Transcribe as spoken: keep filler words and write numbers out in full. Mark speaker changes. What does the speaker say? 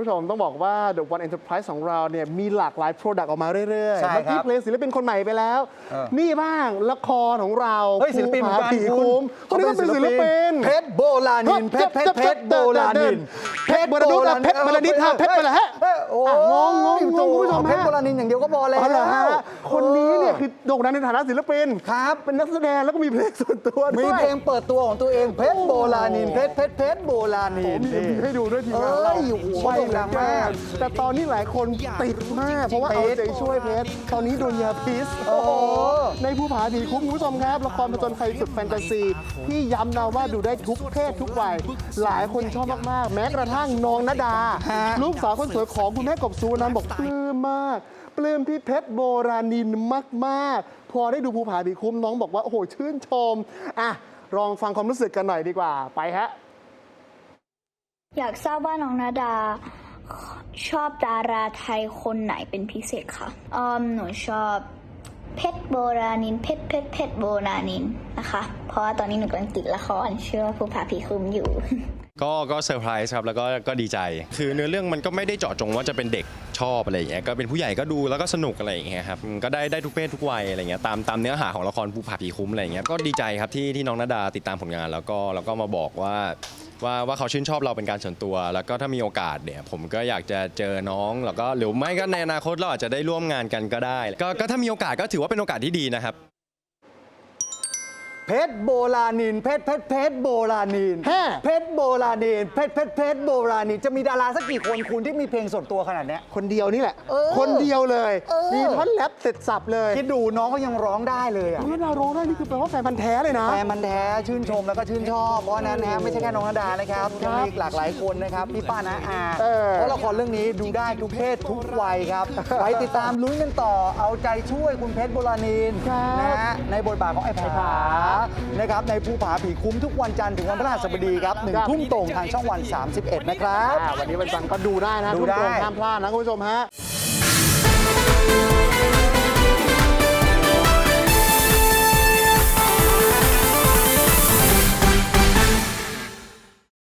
Speaker 1: ผู้ชมต้องบอกว่า The One Enterprise ของเราเนี่ยมีหลากหลาย Product ออกมาเรื่อยๆ
Speaker 2: ใช่
Speaker 1: เมื่อ
Speaker 2: ครั
Speaker 1: กี้
Speaker 2: บ
Speaker 1: เพลงศิลปินคนใหม่ไปแล้ว
Speaker 2: เออ
Speaker 1: นี่บ้างละครของเรา
Speaker 2: เฮ้ยศิลปินเหมือนกัน
Speaker 1: ผี
Speaker 2: คุณ
Speaker 1: คุ้มคนนี้ก็เป็นศิลปิน
Speaker 2: เพชรโบราณินเพชรเพชรเพชรโบราณิน
Speaker 1: เพชรโบราณินเพชรโบราณินฮะเพชรโบราณินฮะ
Speaker 2: โอ้
Speaker 1: งงงงงงคุณผู้ชม
Speaker 2: เพชร
Speaker 1: ฮะ
Speaker 2: โบราณินอย่างเดียวก็พอแล้ว
Speaker 1: อ๋อเหรอฮะคนนี้เนี่ยคือโด่งดังในฐานะศิลปิน
Speaker 2: ครับ
Speaker 1: เป็นนักแสดงแล้วก็มีเพลงส่วนตัวด้วย
Speaker 2: มีเพลงเปิดตัวของตัวเองเพชรโบราณินเพชรเพชรเพชรโบราณิน
Speaker 1: มี ให้ดูด้วยทีมงานเรา
Speaker 2: เอ้ยโอ้โห
Speaker 1: ไม่
Speaker 2: โด่งดังมาก
Speaker 1: แต่ตอนนี้หลายคนติดมาก เพราะว่าเอาใจช่วยเพชรตอนนี้โดนยาพิษ
Speaker 2: โอ้โห
Speaker 1: ในผู้ผาผีคุ้มคุณผู้ชมครับละครผจญภัยสุดแฟนตาซีที่ย้ำนะว่าดูได้ทุกเพศทุกวัยหลายคนชอบมากๆ แม้กระทั่งน้องณดา
Speaker 2: ฮะ
Speaker 1: ลูกสาวคนสวยของคุณแม่กบสุวรรณบอกปลื้มมากปลื้มพี่เพชรโบราณินมากๆ พอได้ดูภูผาผีคุ้มน้องบอกว่าโอ้โหชื่นชมอ่ะลองฟังความรู้สึกกันหน่อยดีกว่าไปฮะ
Speaker 3: อยากทราบว่าน้องนาดาชอบดาราไทยคนไหนเป็นพิเศษคะอืมหนูชอบเพชรโบราณินเพชรเพชรเพชรโบราณินนะคะ เพราะว่าตอนนี้หนูกำลังติดละครชื่อว่าภูผาผีคุ้มอยู่
Speaker 4: ก็ก็เซอร์ไพรส์ครับแล้วก็ก็ดีใจ คือเนื้อเรื่องมันก็ไม่ได้เจาะจงว่าจะเป็นเด็กชอบอะไรอย่างเงี้ยก็เป็นผู้ใหญ่ก็ดูแล้วก็สนุกอะไรอย่างเงี้ยครับก็ได้ได้ทุกเพศทุกวัยอะไรเงี้ยตามตามเนื้อหาของละครภูผาผีคุ้มอะไรอย่างเงี้ยก็ดีใจครับที่ที่น้องณดาติดตามผลงานแล้วก็แล้วก็มาบอกว่าว่าว่าเขาชื่นชอบเราเป็นการส่วนตัว แล้วก็ถ้ามีโอกาสเนี่ยผมก็อยากจะเจอน้องแล้วก็หรือไม่ก็ในอนาคตเราอาจจะได้ร่วมงานกันก็ได้ก็ก็ถ้ามีโอกาสก็ถือว่าเป็นโอกาสที่ดีนะครับ
Speaker 2: เพชรโบราณินเพชรเพชรเพชรโบราณิน
Speaker 1: ฮะ
Speaker 2: เพชรโบราณินเพชรเพชรเพชรโบราณินจะมีดาราสักกี่คนคุณที่มีเพลงส่วนตัวขนาดเนี้ย
Speaker 1: คนเดียวนี่แหละ
Speaker 2: เออ
Speaker 1: คนเดียวเลย
Speaker 2: เออ
Speaker 1: มีท่อนแรปเสร็จสับเลย
Speaker 2: คิดดูน้องเขายังร้องได้เลยอ่ะ
Speaker 1: น้องณดาร้องได้นี่คือแปลว่าแฟนพันธ์แท้เลยนะ
Speaker 2: แฟนมันธุ์แท้ชื่นชมแล้วก็ชื่นชอบ เพราะฉะนั้นนะไม่ใช่แค่น้องณดานะครับยังมีหลากหลายคนนะครับพี่ป้านะอา
Speaker 1: เออ
Speaker 2: เพราะละครเรื่องนี้ดูได้ทุกเพศทุกวัยครับ ไปติดตามลุ้นกันต่อเอาใจช่วยคุณเพชรโบราณินนะฮะในบทบาทของไอ้ผานะครับในภูผาผีคุ้มทุกวันจันทร์ถึงวันพฤหัสบดีครับหนึ่งทุ่มตรงทางช่องวันสามสิบเอ็ดนะครับ
Speaker 1: อ่าวันนี้วันจันทร์ก็ดูได้นะ
Speaker 2: ดู
Speaker 1: ทุก
Speaker 2: ได้
Speaker 1: โรงห้ามพลาดนะคุณผู้ชมฮะ